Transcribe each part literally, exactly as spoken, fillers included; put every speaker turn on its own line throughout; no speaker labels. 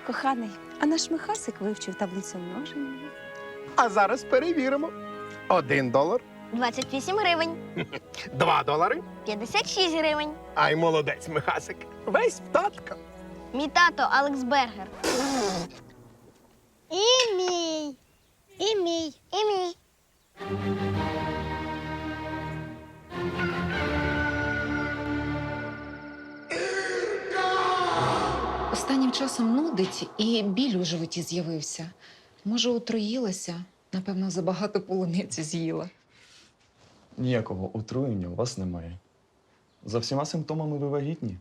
Коханий, а наш Михасик вивчив таблицю множення.
А зараз перевіримо. Один долар,
двадцять вісім гривень.
два долари.
п'ятдесят шість гривень.
Ай, молодець, Михасик. Весь в татка.
Мій тато Алекс Бергер. І мій. І мій. І мій.
Останнім часом нудить і біль у животі з'явився. Може, отруїлася? Напевно, забагато полуниці з'їла.
Ніякого отруєння у вас немає. За всіма симптомами ви вагітні.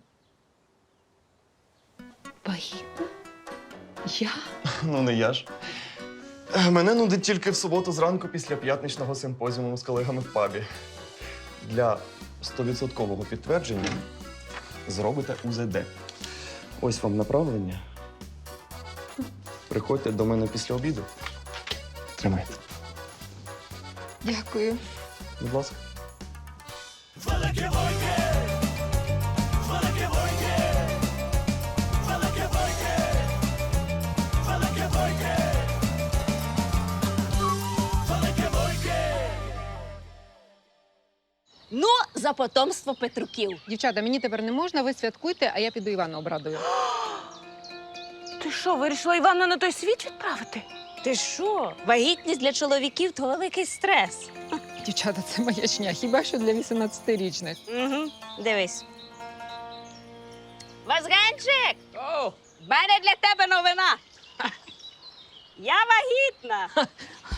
Вагітна? Я?
Ну, не я ж. Е, Мене нудить тільки в суботу зранку після п'ятничного симпозіуму з колегами в пабі. Для стовідсоткового підтвердження зробите У З Д. Ось вам направлення. Приходьте до мене після обіду. Тримайте.
Дякую.
Будь ласка.
Ну, за потомство Петруків.
Дівчата, мені тепер не можна, ви святкуйте, а я піду Івана обрадую.
Ти що, вирішила Івана на той світ відправити?
Ти що? Вагітність для чоловіків – то великий стрес.
Дівчата, це маячня, хіба що для вісімнадцятирічних.
Угу. Дивись. Вазганчик! О! В мене для тебе новина. Я вагітна.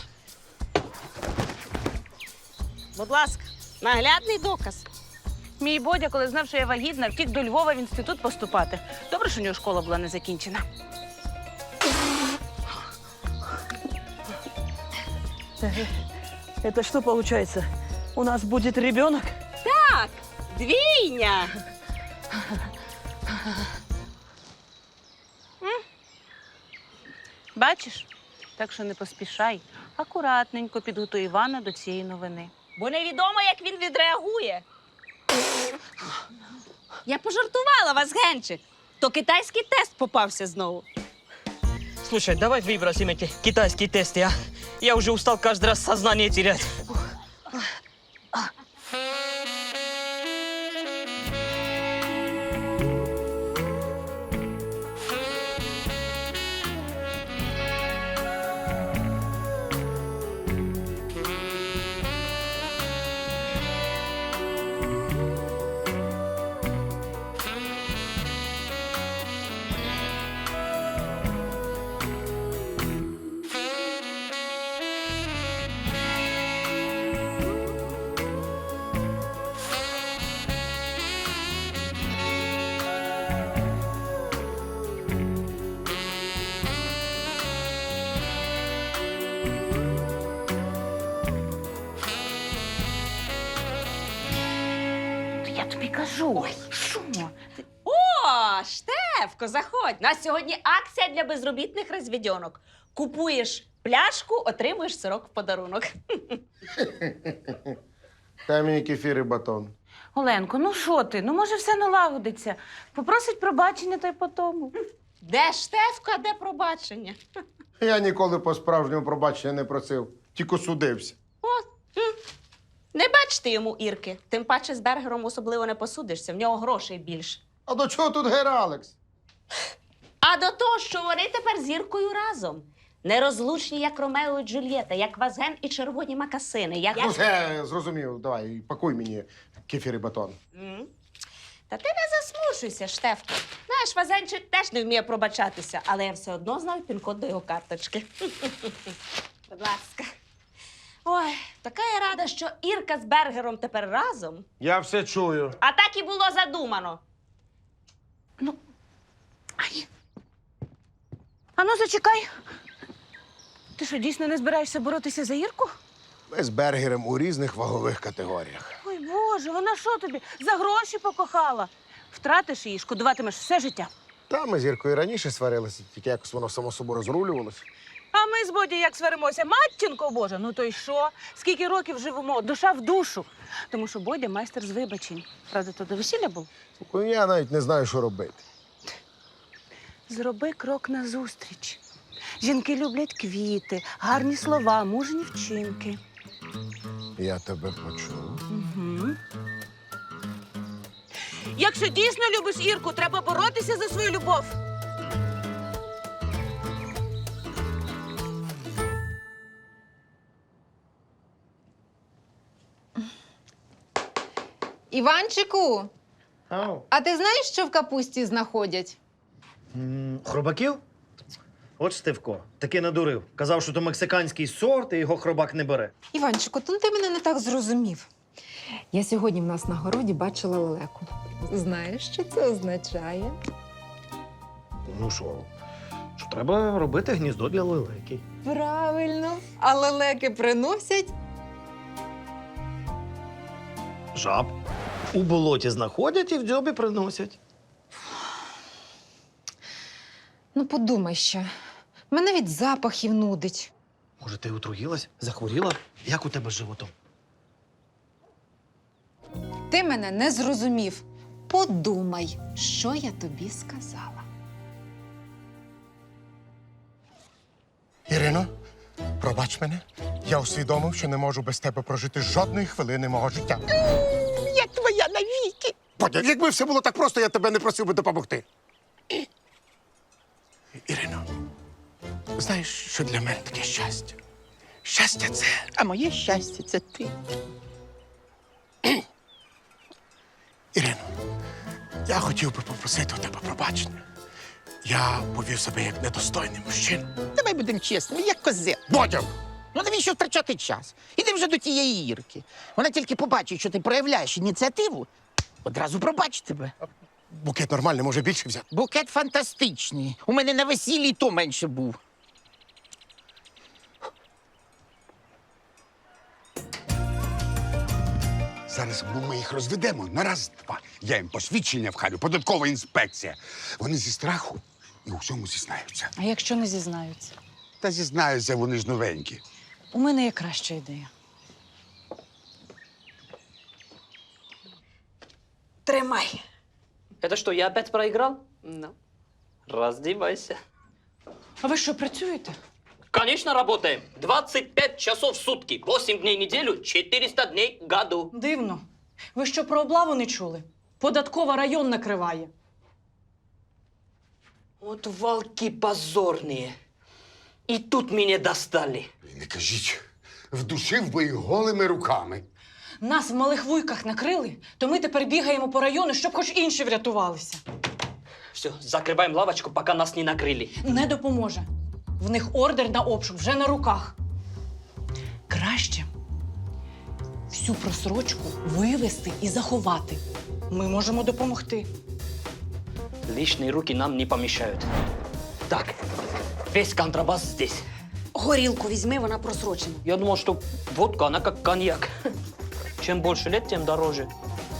Будь ласка, наглядний доказ.
Мій Бодя, коли знав, що я вагітна, втік до Львова в інститут поступати. Добре, що у нього школа була не закінчена.
Это что получается? У нас будет ребенок?
Так, двійня.
Бачиш? Так що не поспішай. Акуратненько підготуй Івана до цієї новини.
Бо невідомо, як він відреагує. Я пожартувала, Вазгенчик. То китайський тест попався знову.
Слушай, давай выбросим эти китайские тесты, а? Я уже устал каждый раз сознание терять.
Я тобі кажу. Що?
О, Штефко, заходь. У нас сьогодні акція для безробітних розвідьонок. Купуєш пляшку, отримуєш сирок в подарунок.
Дай мені кефір і батон.
Оленко, ну що ти? Ну, може, все налагодиться. Попросить пробачення, та й по тому.
Де Штефко, а де пробачення?
Я ніколи по-справжньому пробачення не просив, тільки судився.
Не бачите йому Ірки. Тим паче з Бергером особливо не посудишся, в нього грошей більше.
А до чого тут Гер Алекс?
А до того, що вони тепер з Іркою разом. Нерозлучні, як Ромео і Джульєта, як Вазген і червоні макасини. Як...
Ну, все, зрозумів. Давай, пакуй мені кефір і батон.
М? Та ти не засмушуйся, Штефко. Знаєш, Вазенчик теж не вміє пробачатися, але я все одно знаю пін-код до його карточки. Будь ласка. Ой, така я рада, що Ірка з Бергером тепер разом.
Я все чую.
А так і було задумано.
Ай. А ну, зачекай. Ти що, дійсно не збираєшся боротися за Ірку?
Ми з Бергером у різних вагових категоріях.
Ой, Боже, вона що тобі? За гроші покохала. Втратиш її, шкодуватимеш все життя.
Та ми з Іркою раніше сварилися, тільки якось воно само собою розрулювалося.
А ми з Боді як сваримося? Матінко Божа, ну то й що? Скільки років живемо? Душа в душу. Тому що Бодя майстер з вибачень. Правда, то до весілля був?
Слухай, я навіть не знаю, що робити.
Зроби крок назустріч. Жінки люблять квіти, гарні слова, мужні вчинки.
Я тебе почув.
Угу. Якщо дійсно любиш Ірку, треба боротися за свою любов.
Іванчику,
Ау.
а ти знаєш, що в капусті знаходять?
М, Хробаків? От Штивко, таки надурив. Казав, що то мексиканський сорт, і його хробак не бере.
Іванчику, то ти мене не так зрозумів. Я сьогодні в нас на городі бачила лелеку. Знаєш, що це означає?
Ну що, що треба робити гніздо для лелеки.
Правильно. А лелеки приносять.
Жаб. У болоті знаходять і в дзьобі приносять.
Ну, подумай ще. Мене від запахів нудить.
Може, ти отруїлась? Захворіла? Як у тебе з животом?
Ти мене не зрозумів. Подумай, що я тобі сказала.
Ірино, пробач мене. Я усвідомив, що не можу без тебе прожити жодної хвилини мого життя.
Я твоя навіки.
Бодя, якби все було так просто, я тебе не просив би допомогти. Ірино, знаєш, що для мене таке щастя? Щастя це.
А моє щастя це ти.
Ірино, я хотів би попросити у тебе пробачення. Я повів себе як недостойний мужчина.
Давай будемо чесними, як козел.
Бодя!
Ну навіщо втрачати час? Іди вже до тієї Ірки. Вона тільки побачить, що ти проявляєш ініціативу, одразу пробачить тебе.
Букет нормальний, може більше взяти.
Букет фантастичний. У мене на весіллі й то менше був.
Зараз ми їх розведемо на раз-два. Я їм посвідчення вхалю, податкова інспекція. Вони зі страху і у всьому зізнаються.
А якщо не зізнаються?
Та зізнаються, вони ж новенькі.
У мене є краща ідея.
Тримай. Это что, я опять проиграл? Ну, раздевайся.
А ви що, працюєте?
Конечно, работаем. двадцать пять часов в сутки, восемь дней в неделю, четыреста дней в году.
Дивно. Ви що, про облаву не чули? Податкова район накриває.
Вот волки позорные. И тут меня достали.
І не кажіть, вдушив би їх голими руками.
Нас в малих вуйках накрили, то ми тепер бігаємо по району, щоб хоч інші врятувалися.
Все, закрываем лавочку, пока нас не накрыли.
Не допоможе. В них ордер на обшук вже на руках. Краще всю просрочку вивезти і заховати. Ми можемо допомогти.
Лишние руки нам не помешают. Так, весь контрабас здесь.
Горілку візьми, вона просрочена.
Я думал, что водка, она как коньяк. Чем больше лет, тем дороже.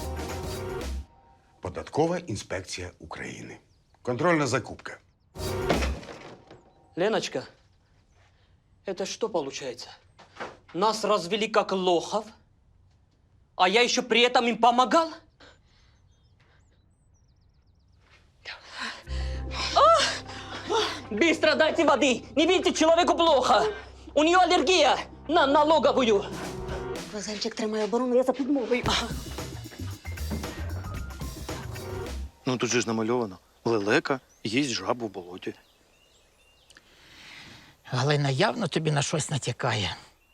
Податкова інспекція України. Контрольна закупка.
Леночка, это что получается? Нас развели как лохов, а я еще при этом им помогал? Быстро дайте воды! Не видите, человеку плохо! У нее аллергия на налоговую!
Вазельчик тримає оборону, я за підмовою.
Ну тут же ж намальовано. Лелека їсть жабу в болоті.
Галина явно тобі на щось натякає.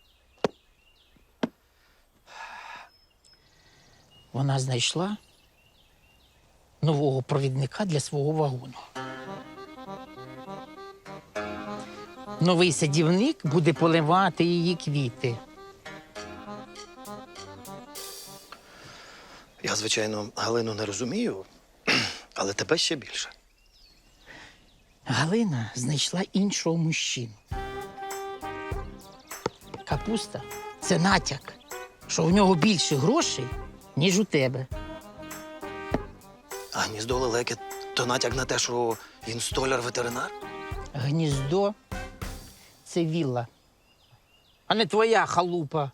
Вона знайшла нового провідника для свого вагону. Новий садівник буде поливати її квіти.
Я, звичайно, Галину не розумію, але тебе ще більше.
Галина знайшла іншого мужчину. Капуста – це натяк, що у нього більше грошей, ніж у тебе.
А гніздо лелеки то натяк на те, що він столяр-ветеринар?
Гніздо – це вілла, а не твоя халупа.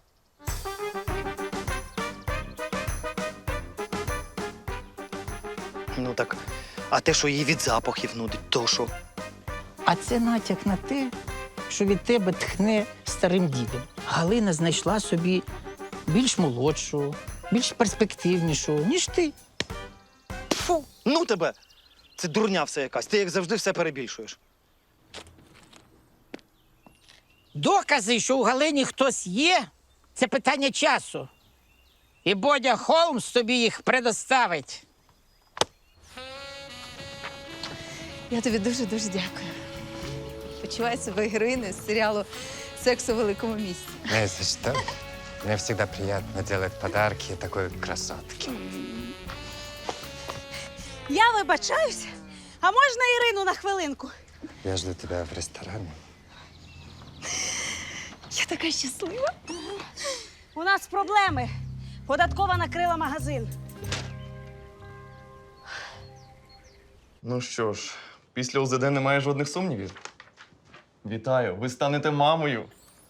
Ну так, А те, що її від запахів нудить, то що?
А це натяк на те, що від тебе тхне старим дідом. Галина знайшла собі більш молодшу, більш перспективнішу, ніж ти.
Фу, ну тебе! Це дурня все якась. Ти, як завжди, все перебільшуєш.
Докази, що у Галині хтось є, це питання часу. І Бодя Холмс тобі їх предоставить.
Я тобі дуже-дуже дякую. Почуваю себе героїною з серіалу «Секс у великому місті».
Не за что. Мне всегда приятно делать подарки такой красотке.
Я вибачаюсь. А можна Ірину на хвилинку?
Я жду тебя в ресторане.
Я така щаслива.
У нас проблеми. Податкова накрила магазин.
Ну що ж, після УЗД немає жодних сумнівів. Вітаю, ви станете мамою.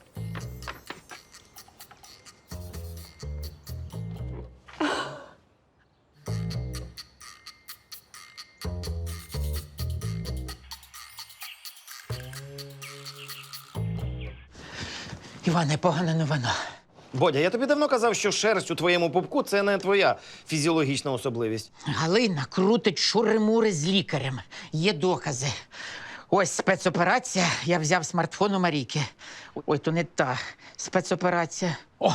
Іване, погана новина.
Бодя, я тобі давно казав, що шерсть у твоєму пупку – це не твоя фізіологічна особливість.
Галина крутить шури-мури з лікарем. Є докази. Ось спецоперація. Я взяв смартфон у Марійки. Ой, то не та спецоперація. О!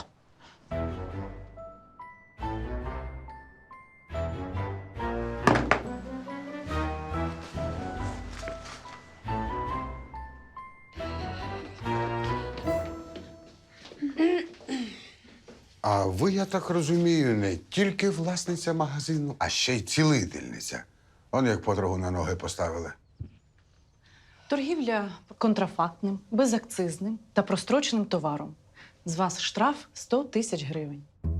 А ви, я так розумію, не тільки власниця магазину, а ще й цілительниця. Он як подругу на ноги поставили.
Торгівля контрафактним, безакцизним та простроченим товаром. З вас штраф сто тисяч гривень.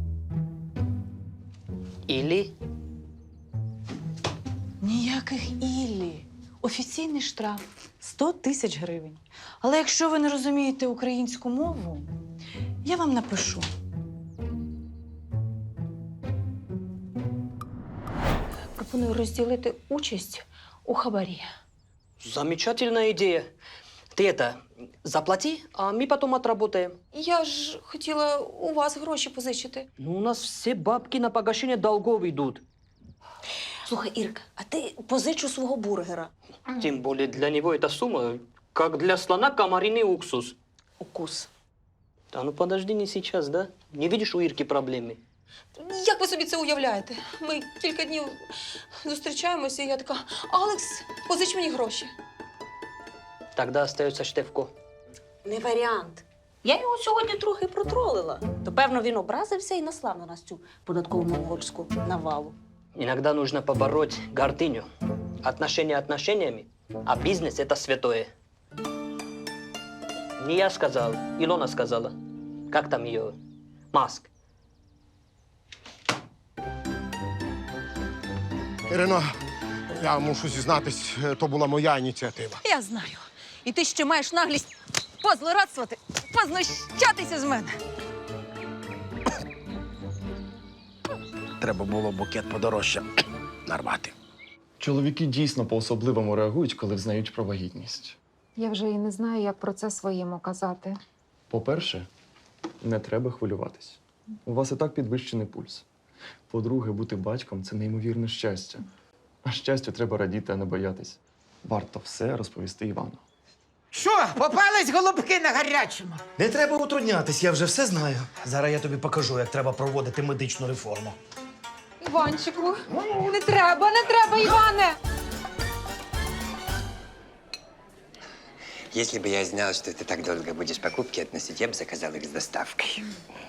Или
Ніяких іллі. Офіційний штраф сто тисяч гривень. Але якщо ви не розумієте українську мову, я вам напишу.
Пропоную розділити участь у хабарі.
замечательная идея. Ты это, заплати, а мы потом отработаем.
Я ж хотіла у вас гроші позичити.
Ну, у нас все бабки на погашение долгов идут.
Слухай, Ірка, а ти позичу свого бургера.
Тем более для него эта сумма, как для слона комариный уксус.
Укус.
Да ну подожди, не сейчас, да? Не видишь у Ирки проблемы?
Як ви собі це уявляєте? Ми кілька днів зустрічаємося, і я така: Алекс, позич мені гроші.
Тогда остается Штефко.
Не варіант. Я його сьогодні трохи протролила. То, певно, він образився і наслав на нас цю податкову монгольську навалу.
Иногда нужно побороть гордыню. Отношения отношениями, а бизнес – это святое. Не я сказал, Илона сказала. Как там ее? Маск.
Ірино, я мушу зізнатись, то була моя ініціатива.
Я знаю. І ти ще маєш наглість позлорадствувати, познущатися з мене.
Треба було букет подорожче нарвати.
Чоловіки дійсно по-особливому реагують, коли взнають про вагітність.
Я вже і не знаю, як про це своєму казати.
По-перше, не треба хвилюватись. У вас і так підвищений пульс. По-друге, бути батьком – це неймовірне щастя. А щастю треба радіти, а не боятись. Варто все розповісти Івану.
Що, попались голубки на гарячому?
Не треба утруднятись, я вже все знаю. Зараз я тобі покажу, як треба проводити медичну реформу.
Іванчику, не треба, не треба, Іване!
Если бы я знал, что ты так долго будешь покупки относить, я бы заказал их с доставкой.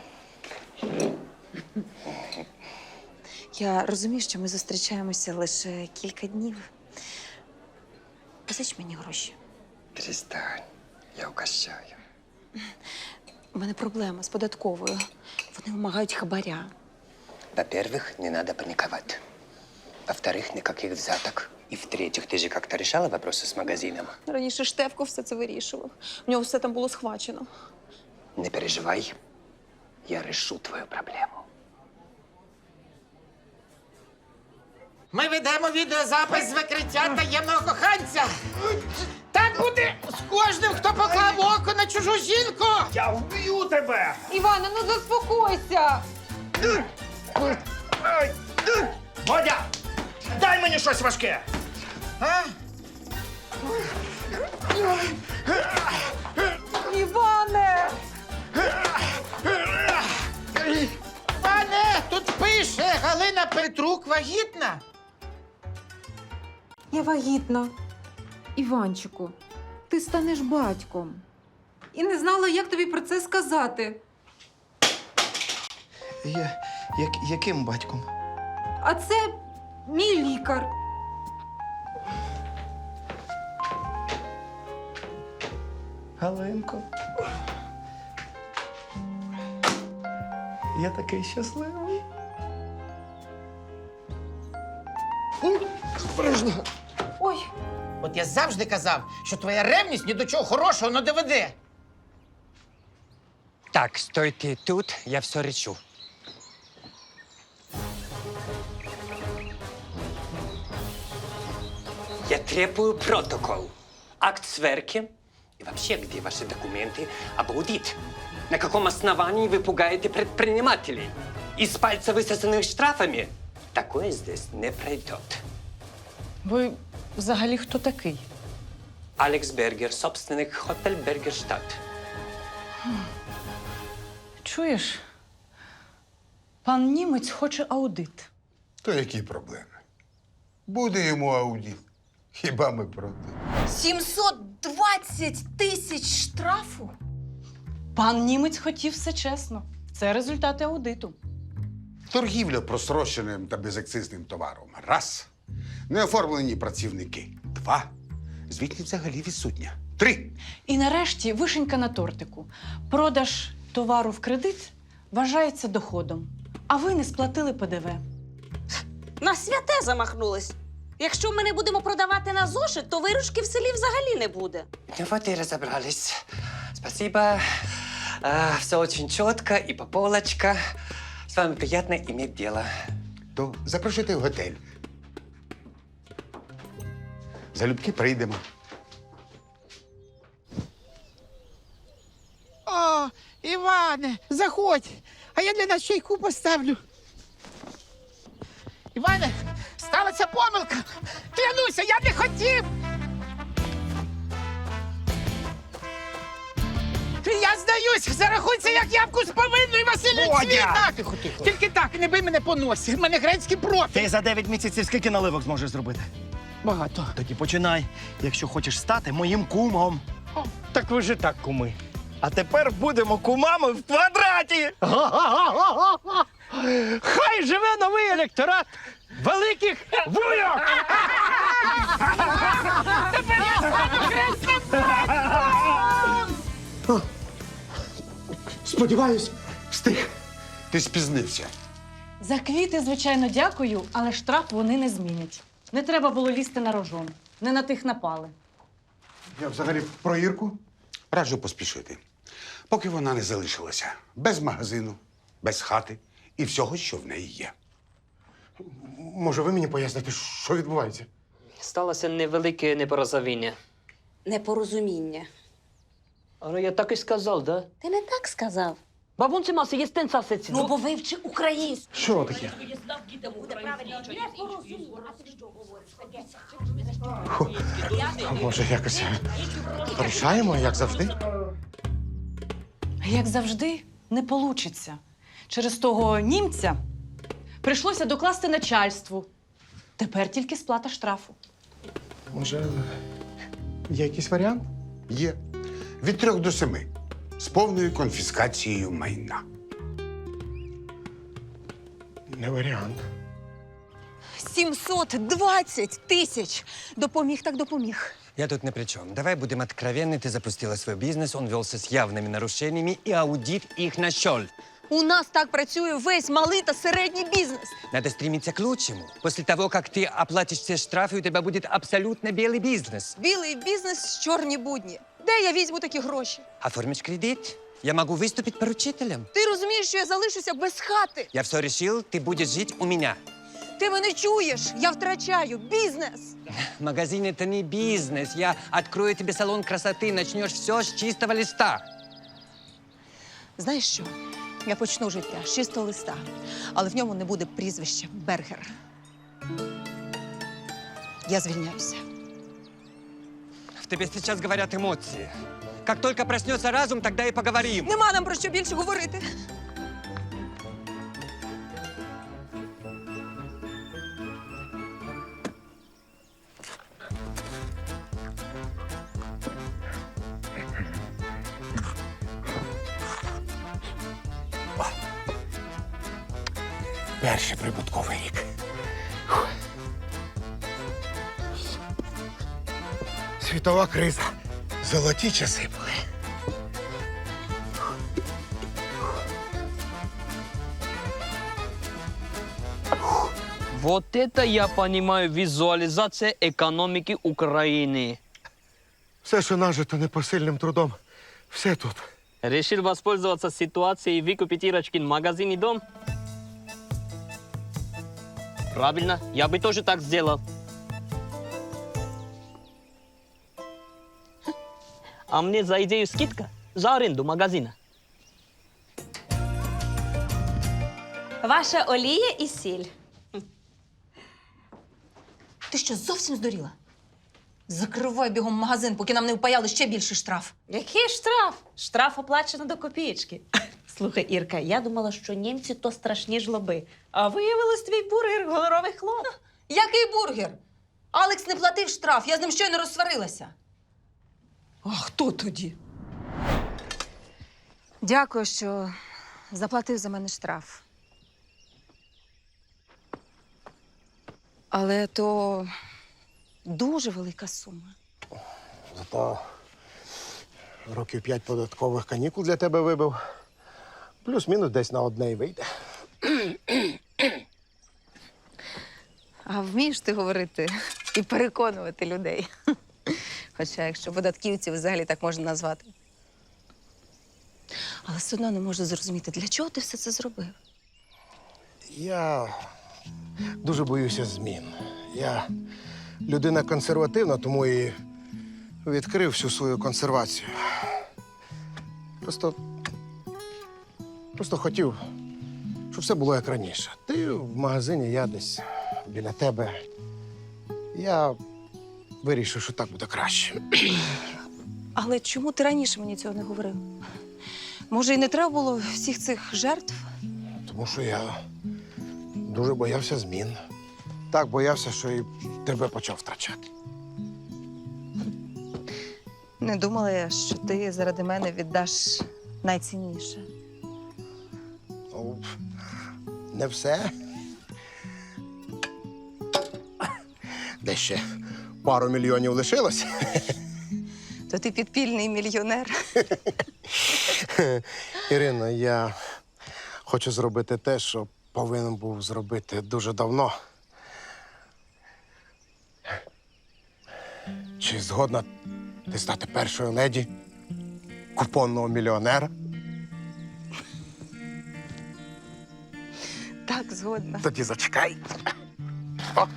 Я розумію, що ми зустрічаємося лише кілька днів. Позич мені гроші.
Перестань, я угощаю.
У мене проблема з податковою. Вони вимагають хабаря.
Во-первых, не надо паниковать. Во-вторых, никаких взяток. И в-третьих, ты же как-то решала вопросы с магазином?
Раніше Штефко все це вирішував. У нього все там було схвачено.
Не переживай, я решу твою проблему.
Ми ведемо відеозапис з викриття таємного коханця. Так буде з кожним, хто поклав око на чужу жінку.
Я вб'ю тебе!
Іване, ну заспокойся!
Бодя! Дай мені щось важке!
А?
Іване!
Пане, тут пише, Галина Петрук вагітна.
Я вагітна. Іванчику, ти станеш батьком. І не знала, як тобі про це сказати.
Я, як, яким батьком?
А це мій лікар.
Галинко. Я такий щасливий.
Ой,
От я завжди казав, що твоя ревність ні до чого хорошого не доведе.
Так, стойте тут, я все решу. Я требую протокол, акт сверки и вообще, где ваши документы об аудит? На каком основании вы пугаете предпринимателей? Из пальца высосанных штрафами? Такое здесь не пройдет.
Ви взагалі хто такий?
Алекс Бергер, собственник Хотель Бергерштадт.
Чуєш? Пан німець хоче аудит.
То які проблеми? Буде йому аудит. Хіба ми проти?
сімсот двадцять тисяч штрафу? Пан німець хотів все чесно. Це результати аудиту.
Торгівля просроченим та безакцизним товаром. Раз. Неоформлені працівники. Два. Звітність взагалі відсутня. Три.
І нарешті вишенька на тортику. Продаж товару в кредит вважається доходом. А ви не сплатили ПДВ.
На святе замахнулись. Якщо ми не будемо продавати на зошит, то виручки в селі взагалі не буде.
Ну вот и разобрались. Спасибо. А, все очень четко и по полочка. С вами приятно иметь дело.
То запрошуйте в готель. Залюбки прийдемо.
О, Іване, заходь, а я для нас чайку поставлю. Іване, сталася помилка. Клянуся, я не хотів. Я здаюсь, зарахуйся, як ябку з повинною, Василь
Бодя!
Тихо, тихо. Тільки так, не бий мене по носі. В мене грецький профіль.
Ти за дев'ять місяців скільки наливок зможеш зробити?
Багато.
Тоді починай, якщо хочеш стати моїм кумом.
Так ви ж і так куми. А тепер будемо кумами в квадраті. Хай живе новий електорат великих вуйок!
Сподіваюсь, встиг. Ти спізнився.
За квіти, звичайно, дякую, але штраф вони не змінять. Не треба було лізти на рожон. Не на тих напали.
Я взагалі про Ірку раджу поспішити. Поки вона не залишилася без магазину, без хати і всього, що в неї є.
Може, ви мені поясните, що відбувається?
Сталося невелике непорозуміння.
Непорозуміння.
Але я так і сказав, да?
Ти не так сказав.
Бабунці маси є стенца сеці.
Ну, бо вивчи українську.
Що таке? А може, якось порішаємо, як завжди?
Як завжди, не получиться. Через того німця прийшлося докласти начальству. Тепер тільки сплата штрафу.
Може, є якийсь варіант?
Є від трьох до семи з повною конфіскацією майна.
Не варіант.
сімсот двадцять тисяч! Допоміг так допоміг.
Я тут ни при чем. Давай будем откровенны. Ты запустила свой бизнес, он велся с явными нарушениями, и аудит их нашел.
У нас так працює весь малий та середній бізнес.
Надо стремиться к лучшему. После того, как ты оплатишь все штрафы, у тебя будет абсолютно белый бизнес.
Білий бізнес, чорні будні. Де я візьму такі гроші?
Оформишь кредит? Я могу выступить поручителем.
Ти розумієш, що я залишуся без хати?
Я все решил, ты будешь жить у меня.
Ти мене чуєш? Я втрачаю бізнес.
Магазин — это не бизнес. Я открою тебе салон красоты, начнешь все с чистого листа.
Знаєш що? Я почну життя з чистого листа, але в ньому не буде прізвища Бергер. Я звільняюся.
В тебе сейчас говорят эмоции. Как только проснется разум, тогда и поговорим.
Нема нам про що більше говорити.
Перший прибутковий рік. Фух. Світова криза. Золоті часи були.
Вот это я понимаю визуализация экономики Украины.
Все, що нажито непосильним трудом, все тут.
Решил воспользоваться ситуацией и выкупить Ирочкин магазин и дом? Правильно, я бы тоже так сделал. А мне за идею скидка за аренду магазина.
Ваша олія і сіль.
Ти що, зовсім здуріла? Закривай бігом магазин, поки нам не впаяли ще більший штраф.
Який штраф? Штраф оплачено до копієчки. Слухай, Ірка, я думала, що німці то страшні жлоби. А виявилось твій бургер гоноровий хлоп.
Який бургер? Алекс не платив штраф, я з ним щойно розсварилася. А хто тоді? Дякую, що заплатив за мене штраф. Але то дуже велика сума.
Зато років п'ять податкових канікул для тебе вибив. Плюс-мінус десь на одне й вийде.
А вмієш ти говорити і переконувати людей? Хоча, якщо податківців взагалі так можна назвати. Але все одно не можу зрозуміти, для чого ти все це зробив?
Я дуже боюся змін. Я людина консервативна, тому і відкрив всю свою консервацію. Просто, просто хотів, щоб все було як раніше. Ти в магазині, я десь біля тебе. Я вирішив, що так буде краще.
Але чому ти раніше мені цього не говорив? Може, і не треба було всіх цих жертв?
Тому що я дуже боявся змін. Так боявся, що і тебе почав втрачати.
Не думала я, що ти заради мене віддаш найцінніше.
Ну, не все. Де ще пару мільйонів лишилось.
То ти підпільний мільйонер.
Ірино, я хочу зробити те, що повинен був зробити дуже давно. Чи згодна ти стати першою леді купонного мільйонера?
Так, згодна.
Тоді зачекай. О.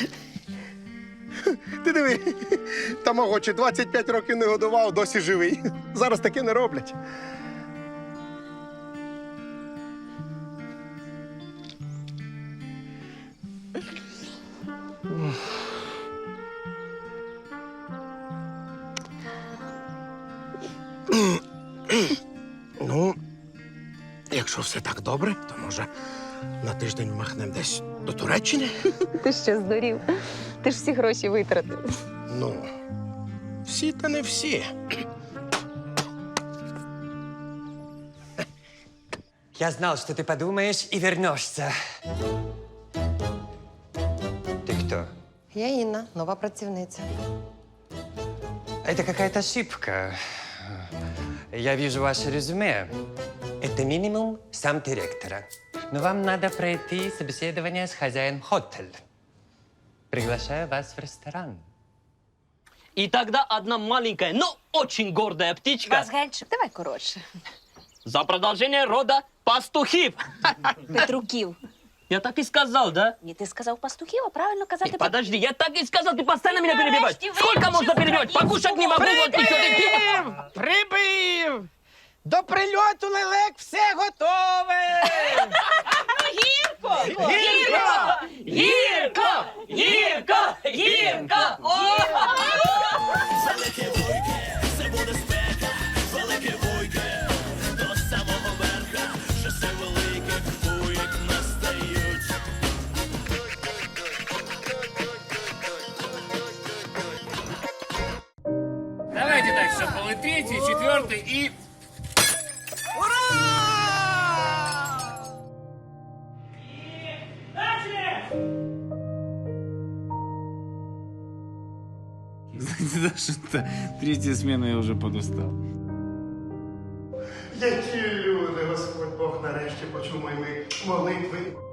Ти диви, тамагочі двадцять п'ять років не годував, досі живий. Зараз таке не роблять. Ну, якщо все так добре, то може на тиждень махнемо десь до Туреччини?
Ти що, здурів? Ти ж всі гроші витратив.
Ну, всі та не всі.
Я знал, что ты подумаешь и вернешься. Ты кто?
Я Інна, нова працівниця.
Это какая-то ошибка. Я вижу ваше резюме. Это минимум сам директора. Но вам надо пройти собеседование с хозяином хотеля. Приглашаю вас в ресторан.
И тогда одна маленькая, но очень гордая птичка
Вазгенчик, давай коротше.
за продолжение рода пастухів.
Петруків.
Я так и сказал, да?
Ні, ти сказав пастухів, а правильно казати...
Ты подожди, я так и сказал, ты постоянно меня
Нарешті
перебиваешь.
вивчив
Сколько можно перебивать?
українську
Покушать не могу, вот ничего ты...
Прибив! До прильоту лелек все готове!
Гірко!
Гірко! Гірко! Гірко! Гірко! О!
Давайте так, что был и третий, и четвертый, и... Знаете, даже третья смена я уже подустал.
Які люди, Господь Бог нарешті почув мої молитви.